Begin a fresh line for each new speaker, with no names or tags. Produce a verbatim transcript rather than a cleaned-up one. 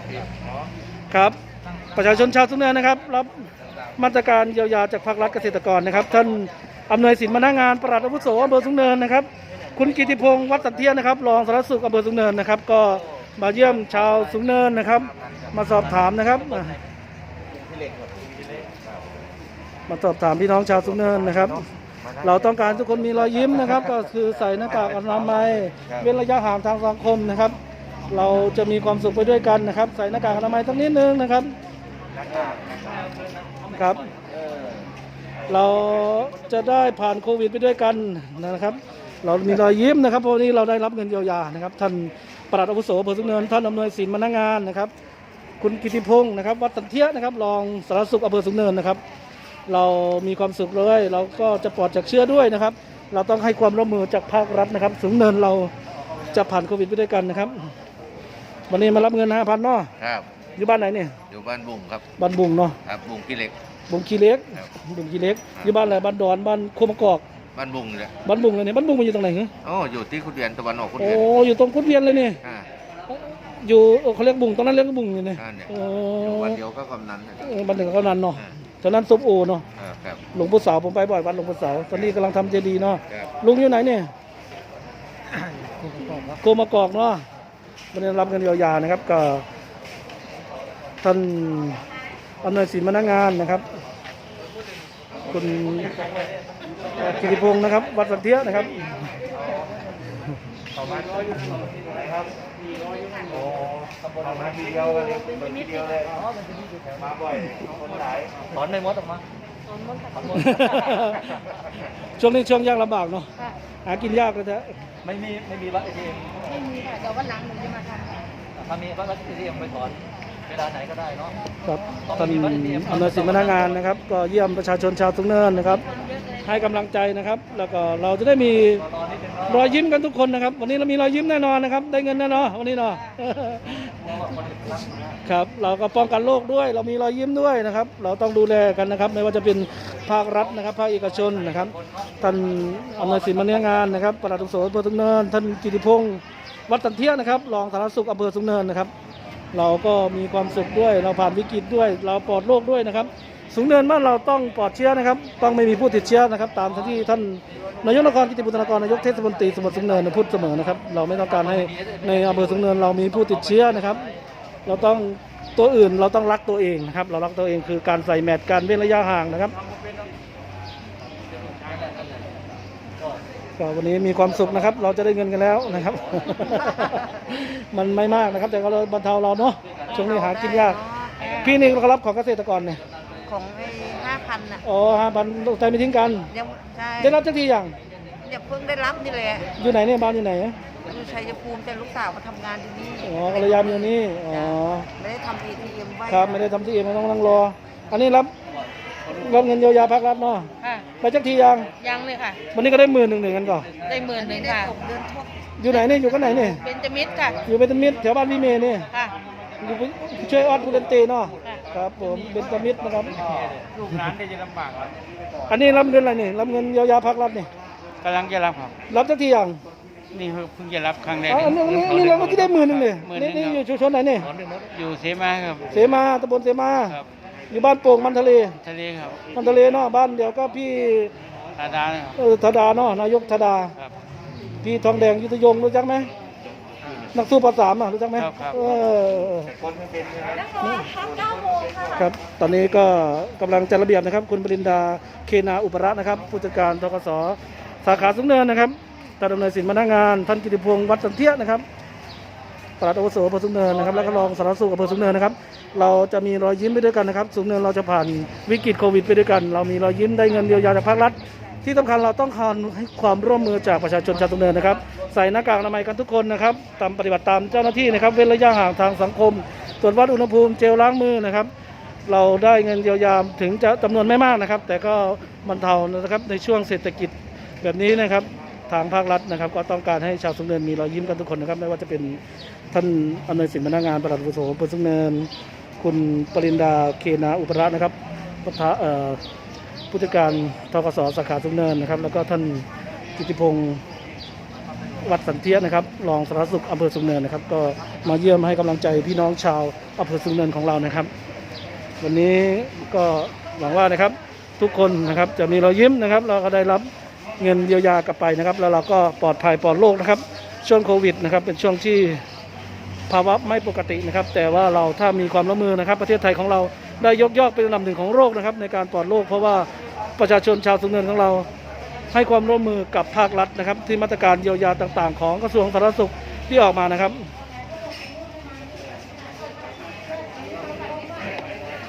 ครับประชาชนชาวสูงเนินนะครับรับมาตรการเยียวยาจากภาครัฐเกษตรกรนะครับท่านอำนวยสินมาหน้างานปลัดอาวุโสอำเภอสูงเนินนะครับคุณกิติพงศ์วัดสันเทียนนะครับรองสารวัตรสุขอำเภอสูงเนินนะครับก็มาเยี่ยมชาวสูงเนินนะครับมาสอบถามนะครับมาสอบถามพี่น้องชาวสูงเนินนะครับเราต้องการทุกคนมีรอยยิ้มนะครับก็คือใส่หน้ากากอนามัยเว้นระยะห่างทางสังคมนะครับเราจะมีความสุขไปด้วยกันนะครับใส่หน้ากากอนามัยสักนิดนึงนะครับครับเราจะได้ผ่านโควิดไปด้วยกันนะครับเรามีรอยยิ้มนะครับเพราะวันนี้เราได้รับเงินเยียวยานะครับท่านปลัดอาวุโสอำเภอสูงเนินท่านอำนวยสินมาหน้างานนะครับคุณกิติพงศ์นะครับวัดสันเทียนะครับรองสารวัตรสุขอำเภอสูงเนินนะครับเรามีความสุขเลยเราก็จะปลอดจากเชื้อด้วยนะครับเราต้องให้ความร่วมมือจากภาครัฐนะครับสูงเนินเราจะผ่านโควิดไปด้วยกันนะครับวันนี้มารับเงินห้าพันเนาะ
ครับ
อยู่บ้านไหนเนี่ย
อยู่บ้านบุ้งครับ
บ้านบุ้งเนาะ
ครับบุ้งขี้เหล็ก
บุ้งขี้เล็กบุ้งขี้เล็กอยู่บ้านอะไรบ้านดอนบ้านโคมกอก
บ้านบุ้งเลย
บ้านบุ้งเลยเนี่ยบ้านบุ้งมันอยู่ตรงไหนเหรอ
อ๋ออยู่ที่คุดเวียนตะวันออกคุด
โอ้
เวียน
อยู่ตรงคุดเวียนเลยนี่อยู่เขาเรียกบุ้งตรงนั้นเรียกบุ้งอยู่เนี่ย
โอ้วันเดียวก็กำนัน
บ้านเดียวก็นั้นเนาะตอนนั้นซุปโอเนาะหลวงปู่สาวผมไปบ่อยวัดหลวงปู่สาวตอนนี้กำลังทำเจดีย์เนาะลุงอยู่ไหนเนี่ยโคมกอกเนาะมันได้รับเงินเยียวยานะครับก็ท่านอำนวยสินมาหน้างานนะครับคุณกิติพงศ์นะครับวัดสันเทียนะครับ
ประมาณร้อยอยู่ครับโอ้ประมาณทีเดียวเลยทีเดียวเลยมาบ่อยคนหลายถอนในมดออกมา
ช่วงนี้ช่วงยากลำบากเนาะหากินยากเลยแท้
ไม่มีไม่มีบัตรเอทีเอ็ม
ไม่มีค่ะแต่วันหลังหนูจะมาทำ
ถ้ามีบัตรเอทีเอ็มไปถอนเวลาไหนก็ได้เนาะ
ครับท่านอำนวยสินมาหน้างานนะครับก็เยี่ยมประชาชนชาวสูงเนินนะครับให้กำลังใจนะครับแล้วก็เราจะได้มีรอยยิ้มกันทุกคนนะครับวันนี้เรามีรอยยิ้มแน่นอนนะครับได้เงินแน่นอนวันนี้เนาะครับเราก็ป้องกันโรคด้วยเรามีรอยยิ้มด้วยนะครับเราต้องดูแลกันนะครับไม่ว่าจะเป็นภาครัฐนะครับภาคเอกชนนะครับท่านอำนวยสินมาหน้างานนะครับปลัดอาวุโสอำเภอสูงเนินท่านกิติพงศ์วัดสันเทียนะครับรองสารวัตรสุขอำเภอสูงเนินนะครับเราก็มีความสุขด้วยเราผ่านวิกฤตด้วยเราปลอดโรคด้วยนะครับสูงเนินบ้านเราต้องปลอดเชื้อนะครับต้องไม่มีผู้ติดเชื้อนะครับตามที่ท่านนายกนครกิติบุตรนครนายกเทศมนตรีสมุทรสูงเนินพูดเสมอนะครับเราไม่ต้องการให้ในอำเภอสูงเนินเรามีผู้ติดเชื้อนะครับเราต้องตัวอื่นเราต้องรักตัวเองนะครับเรารักตัวเองคือการใส่แมสการเว้นระยะห่างนะครับก็วันนี้มีความสุขนะครับเราจะได้เงินกันแล้วนะครับ มันไม่มากนะครับแต่ก็เราบรรเทาเราเนาะช่วงนี้หากินยากพี่นี่ก็รับของเกษตรกรเนี่ย
ของไอ้ห้าพันอ่ะ
อ๋อห้าพันใจไม่ทิ้งกัน
ยังใช่
ได้รับจักทีอย่าง
อย่าเพิ่งได้รับนี่แหละ
อยู่ไหนเนี่ยบ้านอยู่ไหน
อยู่ชัยภูมิแต่ลูกสาวมาทำงานที่นี่
อ๋อภรรยาอยู่นี่อ๋อ
ไม่ได้ทำ เอ ที เอ็ม ไว้
ครับไม่ได้ทำที่เอ็มต้องนั่งรออันนี้รับรับเงินเยียวยาภาครัฐเนาะไปจักทียัง
ยังเลยค่ะ
วันนี้ก็ได้หมื่นหนึ่งหนึ่งกันก่อน
ได้หมื่นหนึ่งค่ะ
อยู่ไหนเนี่ยอยู่กันไหนเนี่ย
เป็นจมิตรค่ะ
อยู่เป็นจมิตรแถวบ้านพี่เมย์นี่
ค่ะ
อยู่ช่วยออดพูเลนเตเนาะครับผมเป็นจมิตรนะครับ
ลูกหลานได้จะลำบาก
อันนี้รับเงินอะไรนี่รับเงินเยียวยาภาครัฐนี่
กำลังจะรับครับ
รับจักทียัง
นี่เพิ่งจะรับครั้งแรก
อันนี้นี่เราก็ที่ได้หมื่นหนึ่งเลยนี่นี่อยู่ชุมชนไหนเนี่ย
อยู่เสมาครับ
เสมาตำบลเสมาอยู่บ้านโป่งมันทะเล
ทะเลครับ
มันทะเลเนาะบ้านเดียวก็พี่
ธาดา
เออธาดาเนาะนายกธาดาพี่ทองแดงยุทธยงรู้จักไหมนักสู้ภาษาอ่ะรู้จักไหม
ครับ
เออครับตอนนี้ก็กำลังจัดระเบียบนะครับคุณปรินดาเคนาอุปรัตน์นะครับผู้จัดการธกส.สาขาสูงเนินนะครับท่านดำเนินสินมาหน้างานท่านกิติพงศ์วัดสันเทียนะครับปลัดอาวุโสอำเภอสูงเนินนะครับแล้วก็รองสารวัตรสุขอำเภอสูงเนินนะครับเราจะมีรอยยิ้มไปด้วยกันนะครับสูงเนินเราจะผ่านวิกฤตโควิดไปด้วยกันเรามีรอยยิ้มได้เงินเยียวยาจากภาครัฐที่สำคัญเราต้องการให้ความร่วมมือจากประชาชนชาวสูงเนินนะครับใส่หน้ากากอนามัยกันทุกคนนะครับตามปฏิบัติตามเจ้าหน้าที่นะครับเว้นระยะห่างทางสังคมตรวจวัดอุณหภูมิเจลล้างมือนะครับเราได้เงินเยียวยาถึงจะจำนวนไม่มากนะครับแต่ก็บรรเทานะครับในช่วงเศรษฐกิจแบบนี้นะครับทางภาครัฐนะครับก็ต้องการให้ชาวสูงเนินมีรอยยิ้มกันทุกคนนะครับไม่ว่าจะเป็นท่านอำนวยสินมาหน้างานปลัดอาวุโสอำเภอสูงเนินคุณปรินดาเคนาอุปรัตน์นะครับผู้จัดการธกส.สาขาสูงเนินนะครับแล้วก็ท่านกิติพงศ์วัดสันเทียนะครับรองสารวัตรสุขอำเภอสูงเนินนะครับก็มาเยี่ยมให้กำลังใจพี่น้องชาวอำเภอสูงเนินของเรานะครับ วันนี้ก็หวังว่านะครับทุกคนนะครับจะมีรอยยิ้มนะครับเราก็ได้รับเงินเยียวยากลับไปนะครับ แล้วเราก็ปลอดภัยปลอดโรคนะครับช่วงโควิดนะครับเป็นช่วงที่ภาวะไม่ปกตินะครับ แต่ว่าเราถ้ามีความร่วมมือนะครับ ประเทศไทยของเราได้ยกย่องเป็นอันดับหนึ่งของโลกนะครับในการปลอดโรคเพราะว่าประชาชนชาวสูงเนินของเราให้ความร่วมมือกับภาครัฐนะครับที่มาตรการเยียวยาต่างๆ ของกระทรวงสาธารณสุขที่ออกมานะครับ